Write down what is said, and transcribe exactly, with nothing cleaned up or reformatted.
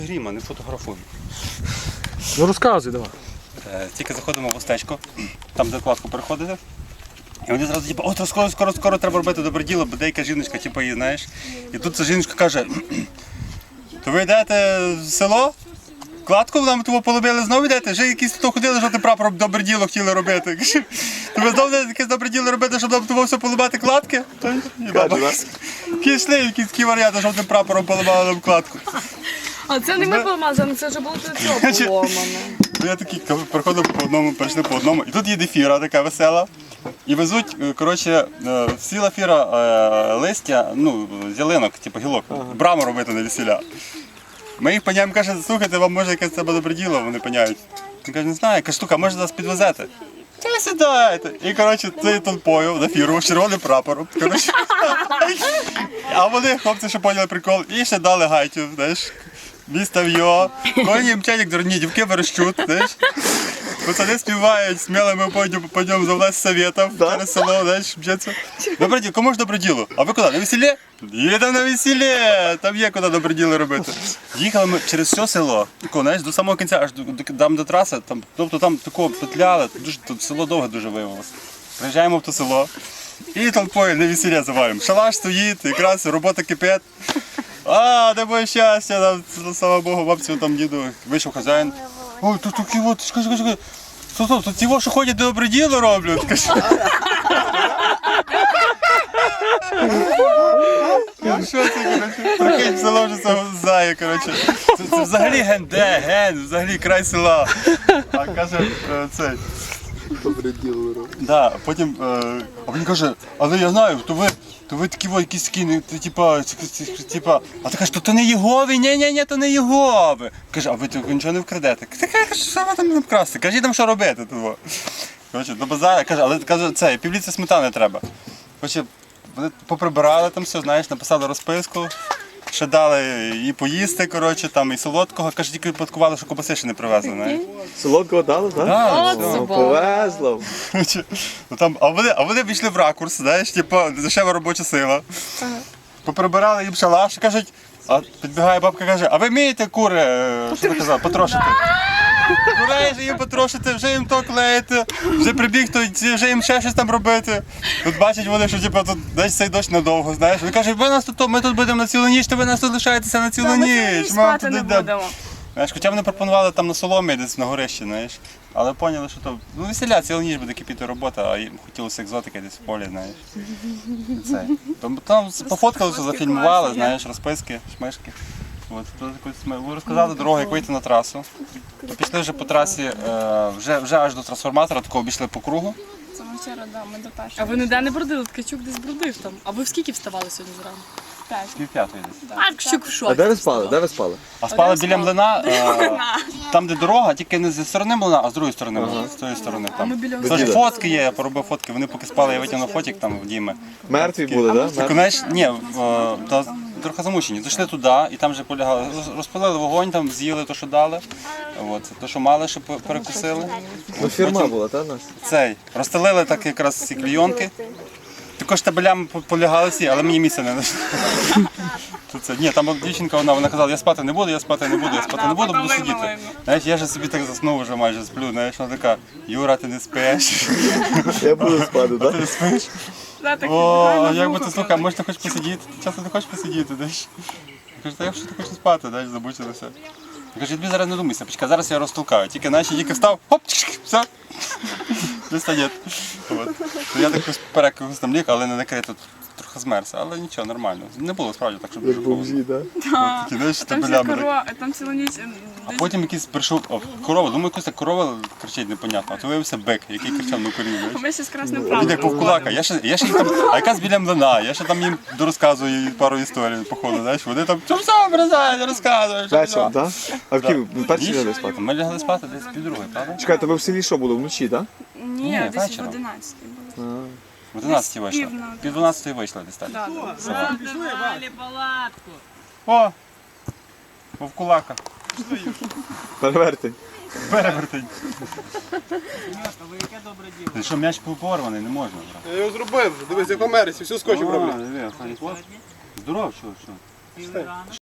Гріма, не фотографуй. Ну розказуй, давай. Е, Тільки заходимо в устечко, там де кладку переходите. І вони зразу типу, от скоро, скоро, скоро треба робити добре діло, бо деяка жіночка, типу, її, знаєш. І тут ця жіночка каже, то ви йдете в село? Кладку нам того полюбили, знову йдете? Вже якісь тут ходили, що ти прапор добре діло хотіли робити. То ви знову якесь добре діло робити, щоб нам того все полюбати кладки? Пішли якісь такі варіанти, щоб ти прапором поламали нам кладку. А це не ми поламали, це вже було до цього поломане. Я такий приходив по одному, перейшли по одному. І тут їде фіра така весела. І везуть, коротше, сіла фіра листя, ну, з ялинок, типу гілок, браму робити на весілля. Ми їх паняємо, каже, слухайте, вам може якесь це добре діло, вони паняють. Він каже, не знаю, каже, штука, може нас підвезете? Та сідайте. І, коротше, цей толпою на фіру, з червоним прапором. Коротше. А вони, хлопці, що поняли прикол, і ще дали гайтю, знаєш. Місто його, коні мчать, як дурні, дівки верещуть, знаєш. Пацани співають, сміло ми пойдемо за власть советів через село, знаєш, мчаться. Добре діло, кому ж добре діло? А ви куди, на весіллі? Їдемо на весіллі, там є куди добре діло робити. Їхали ми через все село, тако, знаєш, до самого кінця, аж до, там до траси, там, тобто там такого петляли, дуже, тут село довго дуже виявилося. Приїжджаємо в то село і толпою на весілля завалюємо. Шалаш стоїть, якраз робота кипить. А, де моє щастя, там, слава Богу, бабцю, там діду, вийшов хазяїн. Ой, тут такі от, чекай, чекай, чекай. Стоп, стоп, тут ті, що ходять, добре діло роблять. Ну що це, коротше, прикинь, село вже це зає, коротше. Це, це взагалі ген, де, ген, взагалі край села. А каже, цей. Добре діло робить. Да, потім, е, а він каже, але я знаю, то ви, то ви такі ось якісь такі, типа, типа, а ти кажеш, то, то не Єгови, ні-ні-ні, то не Єгови. Каже, а ви то нічого не вкрадете. Ти кажеш, що ви там вкрасти, кажіть там, що робити. Того. Коротше, до базара, каже, але каже, це, півліця сметани треба. Коротше, вони поприбирали там все, знаєш, написали розписку. Ще дали і поїсти, коротше, там, і солодкого. Каже, тільки випадкували, що кобаси ще не привезли, знаєш. Солодкого дали, так? Да, Ну, повезло. Ну, там, а вони, а вони війшли в ракурс, знаєш, типу, дешева робоча сила. Ага. Поприбирали їм шалаш, кажуть, а підбігає бабка, каже, а ви вмієте кури, е, що ти казав, потрошити? Курей вже їм потрошити, вже їм то клеїти, вже прибіг, то вже їм ще щось там робити. Тут бачать вони, що типу, тут десь цей дощ надовго, знаєш. Вони кажуть, ви нас тут, ми тут будемо на цілу ніч, то ви нас тут лишаєтеся на цілу ніч. Ми спати не будемо. Знаєш, хоча вони пропонували там на соломі, десь на горищі, знаєш. Але поняли, що то, ну весіля, цілу ніч буде кипіти робота, а їм хотілося екзотики десь в полі, знаєш. Це. Там, там пофоткалися, зафільмували, знаєш, розписки, шмишки. От, ми розказали дорогу, як вийти на трасу. То пішли вже по трасі, е, вже, вже аж до трансформатора, такого обійшли по кругу. Це ми вчора, да, ми до першого. А ви ніде не бродили? Ткачук десь бродив там. А ви в скільки вставали сьогодні зранку? Так. Пів п'ятої десь. А Ткачук в шоці. А де ви спали? Де ви спали? А спали біля млина, е, там де дорога, тільки не зі сторони млина, а з другої сторони, ага. з тої сторони там. Тож фотки є, я поробив фотки, вони поки спали, я витягнув фотик там в Діми. Мертві були, так? Так, знаєш, ні, в- та трохи замучені. Зайшли туди і там вже полягали. Роз- Розпалили вогонь, там з'їли те, що дали. От, те, що мали, що пе- перекусили. Ну, фірма була, так, нас? Цей, розстелили так якраз ці клійонки. Також табелями по- полягали всі, але мені місця не знайшли. Тут це, ні, там от дівчинка, вона, вона казала, я спати не буду, я спати не буду, я спати не буду, буду сидіти. Знаєш, я ж собі так заснув вже майже сплю, знаєш, вона така, Юра, ти не спиш. Я буду спати, Ти так? не спиш? О, а як би ти, слухай, може ти хочеш посидіти? Часто ти хочеш посидіти, знаєш? Я кажу, та я що ти хочеш спати, знаєш, забучилися. Я кажу, я тобі зараз не думайся, почекай, зараз я розтолкаю. Тільки, знаєш, я тільки встав, хоп, чик, все. Десь нет. От. То я так вперед когось там ліг, але не накрито, трохи змерз, але нічого, нормально. Не було справді так, щоб дуже холодно. Бомжі, так? От такі, знаєш, Там ще табелями. корова, там цілу ніч. А потім якийсь прийшов, о, корова, думаю, якась так корова кричить непонятно, а то виявився бик, який кричав на корів, знаєш. Ми ще з красним Він правом. як повкулака, я ще, я ще їм там, а якась біля млина, я ще там їм дорозказую пару історій, походу, знаєш, вони там, що все образають, розказують, що все. Вечором, так? А в Києві ви перші Ніч? лягли спати? Ми лягли спати десь пів другої, правда? Чекайте, ви в селі що було, вночі, так? Ні, Ні, десь в вечором. одинадцятій було. В одинадцятій вийшли, пів на- пів дванадцятої вийшли десь так. Да, да. з села. О, вовкулака, Перевертень. перевертень. Ти що, м'яч порваний, не можна. Я його зробив, дивись, як в Америці, все скотчем роблять. Здоров, що, що?